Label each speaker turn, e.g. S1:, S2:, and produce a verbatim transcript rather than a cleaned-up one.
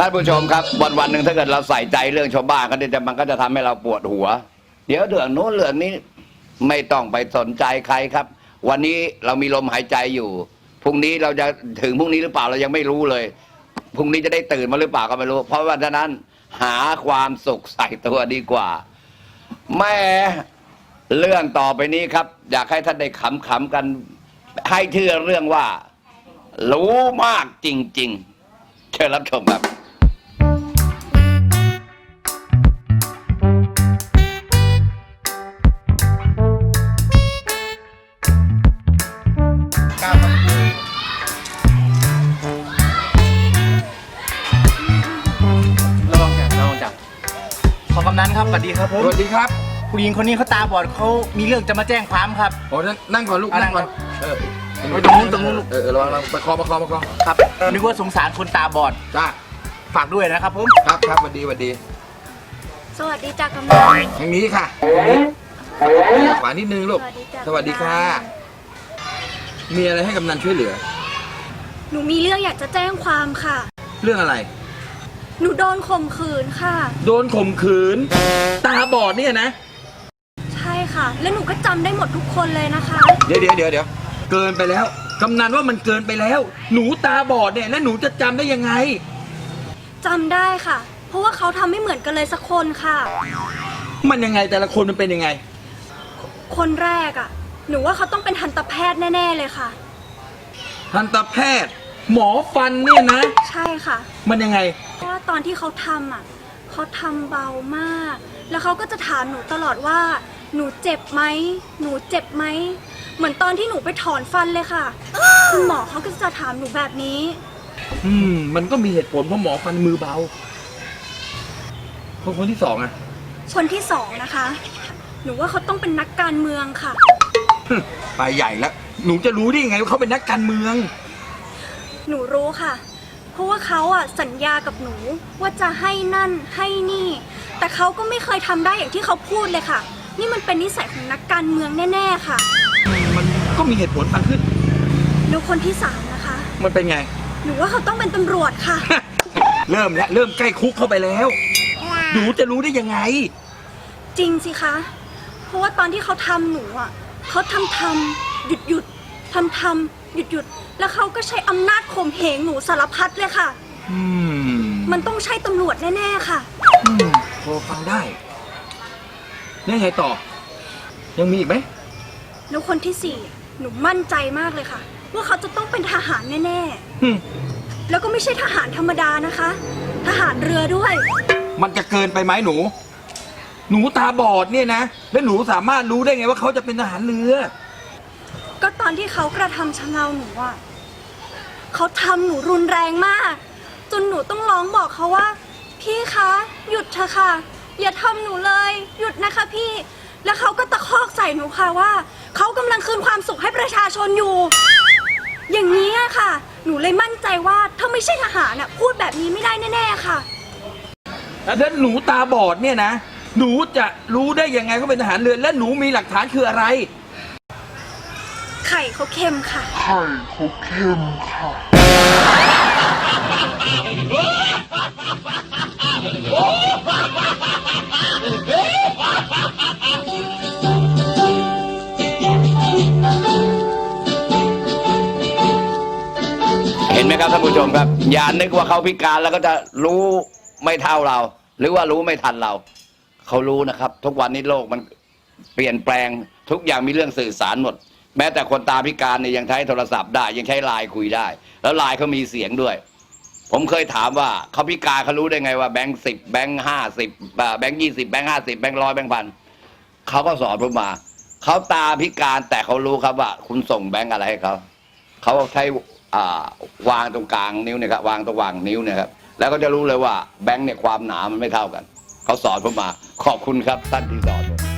S1: านผู้ชมครับวันวันหนึ่งถ้าเกิดเราใส่ใจเรื่องชาวบ้านก็จะมันก็จะทำให้เราปวดหัวเดี๋ยวเรื่องโน้นเรื่องนี้ไม่ต้องไปสนใจใครครับวันนี้เรามีลมหายใจอยู่พรุ่งนี้เราจะถึงพรุ่งนี้หรือเปล่าเรายังไม่รู้เลยพรุ่งนี้จะได้ตื่นมาหรือเปล่าก็ไม่รู้เพราะว่าฉะนั้นหาความสุขใส่ตัวดีกว่าแม่เรื่องต่อไปนี้ครับอยากให้ท่านได้ขำๆกันให้เชื่อเรื่องว่ารู้มากจริงๆเชิญรับชมครับ
S2: ระวังจับระวังจับขอกำนันครับสวัสดีครับผม
S3: สวัสดีครับ
S2: ผู้หญิงคนนี้เขาตาบอดเขามีเรื่องจะมาแจ้งความครับ
S3: โอ้นั่งก่อนลูก
S2: อ่ะ
S3: นั่งก่อน
S2: นั่ง
S3: เออ
S2: ไปตรงนู้นตรงนู้นลูก
S3: เออเออระวังระวังประคองประคองประคอง
S2: ครับนึกว่าสงสารคนตาบอด
S3: จ้า
S2: ฝากด้วยนะครับผม
S3: ครับครับสวัสดีสวัสดี
S4: สวัสดีจ้ากำนัน
S3: ทางนี้ค่ะหวานนิดนึงลูก
S4: สวัสดีจ้ะ
S3: สวัสดีค่ะ มีอะไรให้กำนันช่วยเหลือ
S4: หนูมีเรื่องอยากจะแจ้งความค่ะ
S3: เรื่องอะไร
S4: หนูโดนข่มขืนค่ะ
S3: โดนข่มขืน ตาบอดเนี่ยนะ
S4: ใช่ค่ะ และหนูก็จำได้หมดทุกคนเลยนะคะ
S3: เดี๋ยวเดี๋ยวเดี๋ยวเดี๋ยวเกินไปแล้วกำนันว่ามันเกินไปแล้ว หนูตาบอดเนี่ยแล้วหนูจะจำได้ยังไง
S4: จำได้ค่ะ เพราะว่าเขาทำไม่เหมือนกันเลยสักคนค่ะ
S3: มันยังไงแต่ละคนมันเป็นยังไง
S4: คนแรกอ่ะ หนูว่าเขาต้องเป็นทันตแพทย์แน่ๆเลยค่ะ
S3: ทันตแพทย์ หมอฟันเนี่ยนะ
S4: ใช่ค่ะ
S3: มันยังไง
S4: เพราะว่าตอนที่เขาทำอ่ะเขาทำเบามาก แล้วเขาก็จะถามหนูตลอดว่า หนูเจ็บไหม หนูเจ็บไหม เหมือนตอนที่หนูไปถอนฟันเลยค่ะ คุณหมอเขาก็จะถามหนูแบบนี้
S3: อืม มันก็มีเหตุผลเพราะหมอฟันมือเบา คนคนที่สองอะ
S4: คนที่สองนะคะ หนูว่าเขาต้องเป็นนักการเมืองค่ะ
S3: ไปใหญ่แล้ว หนูจะรู้ได้ยังไงว่าเขาเป็นนักการเมือง
S4: หนูรู้ค่ะ เพราะว่าเขาอ่ะสัญญากับหนูว่าจะให้นั่นให้นี่ แต่เขาก็ไม่เคยทำได้อย่างที่เขาพูดเลยค่ะ นี่มันเป็นนิสัยของนักการเมืองแน่ๆค่ะ
S3: มันก็มีเหตุผลฟังขึ้น
S4: แล้วคนที่สามนะคะ
S3: มันเป็นไง
S4: หนูว่าเขาต้องเป็นตำรวจค่ะ
S3: เริ่มแล้ว เริ่มใกล้คุกเข้าไปแล้ว หนูจะรู้ได้ยังไง
S4: จริงสิคะ เพราะว่าตอนที่เขาทำหนูอ่ะเขาทำทำหยุดหยุดทำทำหยุดหยุดแล้วเขาก็ใช้อำนาจข่มเหงหนูสารพัดเลยค่ะ
S3: อืม
S4: มันต้องใช่ตำรวจแน่ๆค่ะ
S3: อืมพอฟังได้แล้วไงต่อ ยังมีอีกไหม
S4: แล้วคนที่สี่หนูมั่นใจมากเลยค่ะ ว่าเขาจะต้องเป็นทหารแน่
S3: อืม
S4: ๆ แล้วก็ไม่ใช่ทหารธรรมดานะคะ ทหารเรือด้วย
S3: มันจะเกินไปไหมหนู หนูตาบอดเนี่ยนะ แล้วหนูสามารถรู้ได้ไงว่าเขาจะเป็นทหารเรือ
S4: ก็ตอนที่เขากระทำชำเราหนูอ่ะเขาทำหนูรุนแรงมาก จนหนูต้องร้องบอกเขาว่า พี่คะหยุดเถอะค่ะ อย่าทำหนูเลย หยุดนะคะพี่ แล้วเขาก็ตะคอกใส่หนูค่ะว่าเขากำลังคืนความสุขให้ประชาชนอยู่ อย่างนี้อะค่ะ หนูเลยมั่นใจว่าถ้าไม่ใช่ทหารน่ะพูดแบบนี้ไม่ได้แน่ๆค่ะ
S3: แล้วถ้าหนูตาบอดเนี่ยนะ หนูจะรู้ได้ยังไงเขาเป็นทหารเรือ และหนูมีหลักฐานคืออะไร
S4: ไข่เขาเค็มค่ะ
S1: เห็นไหมครับท่านผู้ชมครับอย่านึกว่าเขาพิการแล้วก็จะรู้ไม่เท่าเรา หรือว่ารู้ไม่ทันเราเขารู้นะครับ ทุกวันนี้โลกมันเปลี่ยนแปลงทุกอย่างมีเรื่องสื่อสารหมด แม้แต่คนตาพิการเนี่ยยังใช้โทรศัพท์ได้ยังใช้ไลน์คุยได้ แล้วไลน์เขามีเสียงด้วย ผมเคยถามว่าเขาพิการเขารู้ได้ไงว่าแบงค์สิบแบงค์ห้าสิบแบงค์ยี่สิบแบงค์ห้าสิบแบงค์ร้อยแบงค์พันเขาก็สอนผมมาเขาตาพิการแต่เขารู้ครับว่าคุณส่งแบงค์อะไรให้เขาเขาใช้อ่าวางตรงกลางนิ้วเนี่ยครับวางตรงวางนิ้วเนี่ยครับแล้วก็จะรู้เลยว่าแบงค์เนี่ยความหนามันไม่เท่ากันเขาสอนผมมาขอบคุณครับท่านที่สอนผม